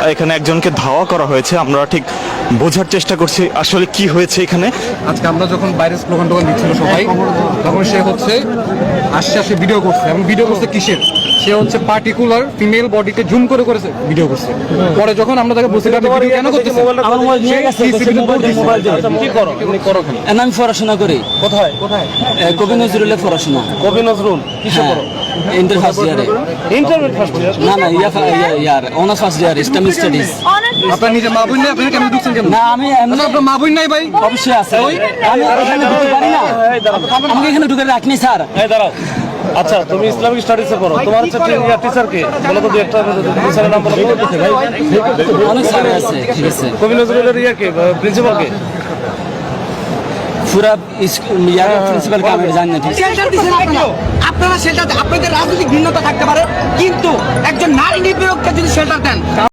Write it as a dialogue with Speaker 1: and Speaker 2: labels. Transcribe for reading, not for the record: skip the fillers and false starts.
Speaker 1: এখানে একজনকে ধাওয়া করা হয়েছে, আমরা ঠিক বোঝার চেষ্টা করছি আসলে কি হয়েছে এখানে।
Speaker 2: আজকে আমরা যখন বাইরে স্লোগান টোগান দিচ্ছিল সবাই, তখন সে হচ্ছে আসছে ভিডিও করছে, এবং ভিডিও করছে কিসের, সে হচ্ছে পার্টিকুলার ফিমেল বডিকে জুম করে করেছে ভিডিও করছে। পরে যখন আমরা তাকে বলছিলাম ভিডিও কেন করতেছে,
Speaker 3: আমার মোবাইল নিয়ে গেছে, মোবাইল
Speaker 2: কি করো তুমি করো কেন?
Speaker 3: আমি পড়াশোনা করি।
Speaker 2: কোথায় কোথায়?
Speaker 3: কবি নজরুলের পড়াশোনা।
Speaker 2: কবি নজরুল কিসে করো?
Speaker 3: ইন্টার ফার্স্ট ইয়ারে।
Speaker 2: Intermediate first year?
Speaker 3: না না, year honours first year Islamic studies.
Speaker 2: আপনার নিজের মা বোন নেই, আপনি কেন ঢুকছেন কেন?
Speaker 3: না আমি এমনি,
Speaker 2: আচ্ছা, আপনার মা বোন নাই ভাই?
Speaker 3: অবশ্যই আছে। আমি এখানে ঢুকতে পারি না, আমাকে এখানে ঢুকে রাখনি স্যার।
Speaker 4: এই দাঁড়াও। আচ্ছা তুমি ইসলামিক স্টাডিজে পড়ো, তোমার হচ্ছে টিচার কে বলো তো, দুই একটা টিচারের নাম বলো তো।
Speaker 3: অনেক স্যার আছে, ঠিক আছে।
Speaker 4: কবি নজরুলের কে প্রিন্সিপাল কে?
Speaker 3: পুরা ইয়ার প্রিন্সিপাল কে আমি জানি না, ঠিক আছে।
Speaker 5: শেল্টার দিচ্ছেন আপনারা শেল্টার, আপনাদের রাজনৈতিক ভিন্নতা থাকতে পারে, কিন্তু একজন নারী নিপীড়ককে যদি শেল্টার দেন